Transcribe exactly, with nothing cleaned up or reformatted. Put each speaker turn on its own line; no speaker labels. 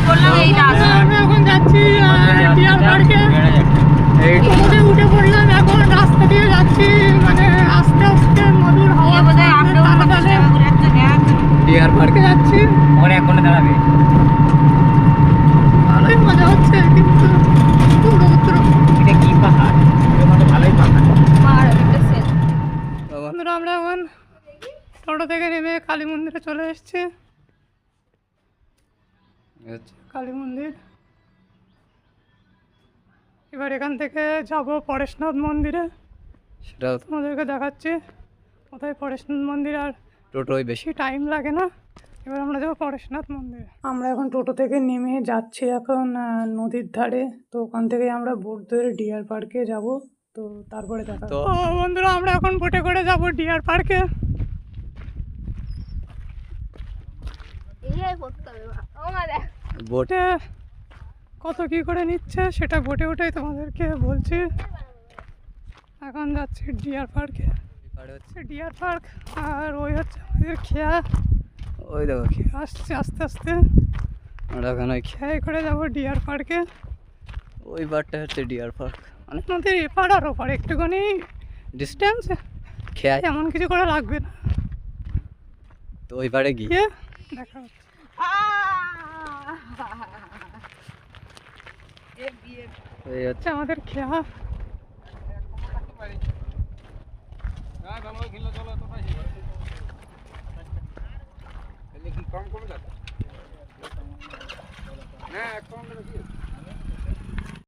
আমরা এখন যাচ্ছি ডিয়ার পার্কে। উঠে পড়লাম, এখন রাস্তা দিয়ে যাচ্ছি, মানে আস্তে আস্তে মধুর হাওয়া ডিয়ার পার্কে যাচ্ছি।
ওখানে এক ঘন্টা দাঁড়াবে,
ভালোই মজা হচ্ছে, কিন্তু
এটা কি পাহাড়? ভালোই পাহাড়।
বন্ধুরা আমরা এখন টোটো থেকে নেমে কালী মন্দিরে চলে এসেছি। কালী মন্দির, এবার এখান থেকে যাব পরেশনাথ মন্দিরে, সেটাও তোমাদেরকে দেখাচ্ছি কোথায় পরেশনাথ মন্দির। আর টোটোয় বেশি টাইম লাগে না। এবার আমরা যাবো পরেশনাথ মন্দিরে। আমরা এখন টোটো থেকে নেমে যাচ্ছি এখন নদীর ধারে, তো ওখান থেকে আমরা বোট ধরে ডিয়ার পার্কে যাব। তো তারপরে দেখা, তো বন্ধুরা আমরা এখন বোটে করে যাব ডিয়ার পার্কে। বোটে কত কি করে নিচ্ছে সেটা বোটে উঠেই তোমাদেরকে বলছি। এখন যাচ্ছি ডিয়ার পার্কে, হচ্ছে ডিয়ার পার্ক। আর ওই হচ্ছে আমাদের খেয়া, ওই দেখো খেয়া আসছে আস্তে আস্তে। আমরা এখন ওই খেয়াই করে যাবো ডিয়ার পার্কে। ওই পার্কটা হচ্ছে ডিয়ার পার্ক, মানে নদীর এপার আর ওপার একটুখানি ডিস্টেন্স, খেয়াই এমন কিছু করে লাগবে না। তো ওই পাড়ে গিয়ে দেখা হচ্ছে। এই হচ্ছে আমাদের খেয়া।
কম কমে যাচ্ছে না, কম